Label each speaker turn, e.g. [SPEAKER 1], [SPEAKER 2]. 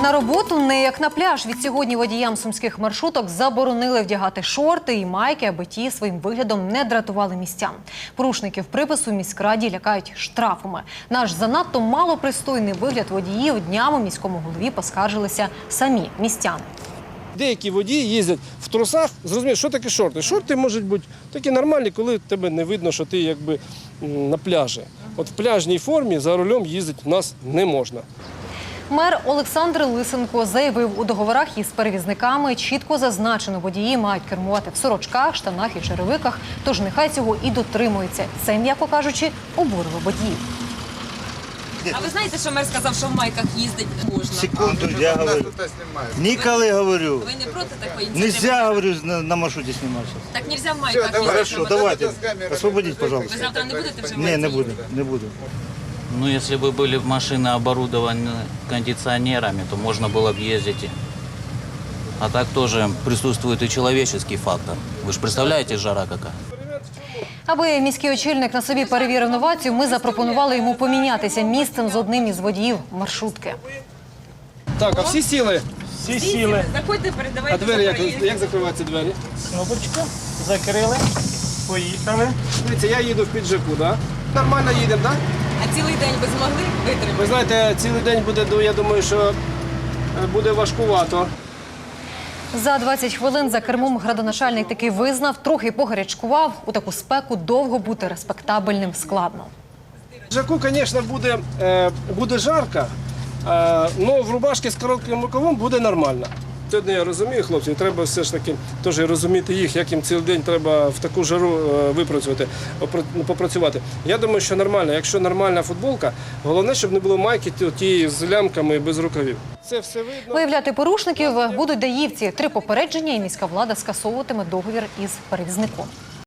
[SPEAKER 1] На роботу не як на пляж. Відсьогодні водіям сумських маршруток заборонили вдягати шорти і майки, аби ті своїм виглядом не дратували містян. Порушників припису в міськраді лякають штрафами. Наш занадто малопристойний вигляд водіїв днями міському голові поскаржилися самі містяни.
[SPEAKER 2] Деякі водії їздять в трусах. Зрозуміло, що таке шорти? Шорти можуть бути такі нормальні, коли тебе не видно, що ти якби на пляжі. От в пляжній формі за рулем їздити в нас не можна.
[SPEAKER 1] Мер Олександр Лисенко заявив, у договорах із перевізниками чітко зазначено, водії мають кермувати в сорочках, штанах і черевиках, тож нехай цього і дотримуються. Це, м'яко кажучи, обурило водіїв.
[SPEAKER 3] А ви знаєте, що мер сказав, що в майках їздити можна?
[SPEAKER 4] Секунду, я говорю. Ніколи говорю.
[SPEAKER 3] Ви не проти такої ініціативи?
[SPEAKER 4] Нельзя, говорю, на маршруте снимать сейчас.
[SPEAKER 3] Так нельзя в майках їздити.
[SPEAKER 4] Хорошо, давайте. Освободите,
[SPEAKER 3] Ви
[SPEAKER 4] пожалуйста.
[SPEAKER 3] завтра не будете вже в
[SPEAKER 4] Не,
[SPEAKER 3] майці
[SPEAKER 4] не буду,
[SPEAKER 3] їздити?
[SPEAKER 4] не буду.
[SPEAKER 5] Ну, если бы были машины оборудованы кондиционерами, то можно было бы ездить. А так тоже присутствует и человеческий фактор. Вы же представляете, жара какая?
[SPEAKER 1] Аби міський очільник на собі перевірив новацію, ми запропонували йому помінятися місцем з одним із водіїв маршрутки.
[SPEAKER 2] Так, а всі сіли?
[SPEAKER 6] Всі сіли.
[SPEAKER 3] Заходьте, передавайте.
[SPEAKER 2] А двері, як закриваються двері?
[SPEAKER 6] Кнопочку закрили, поїхали.
[SPEAKER 2] Дивіться, я їду в піджаку, так? Нормально їдемо, так?
[SPEAKER 3] А цілий день ви змогли витримати?
[SPEAKER 2] Ви знаєте, цілий день буде, я думаю, що буде важкувато.
[SPEAKER 1] За 20 хвилин за кермом градоначальник таки визнав, трохи погарячкував. У таку спеку довго бути респектабельним складно.
[SPEAKER 2] В піджаку, звісно, буде жарко, але в рубашці з коротким рукавом буде нормально. Сьогодні я розумію, хлопці, треба все ж таки теж розуміти їх, як їм цілий день треба в таку жару випрацювати, попрацювати. Я думаю, що нормально. Якщо нормальна футболка, головне, щоб не було майки тієї з лямками без рукавів. Це все видно.
[SPEAKER 1] Виявляти порушників будуть даївці. 3 попередження і міська влада скасовуватиме договір із перевізником.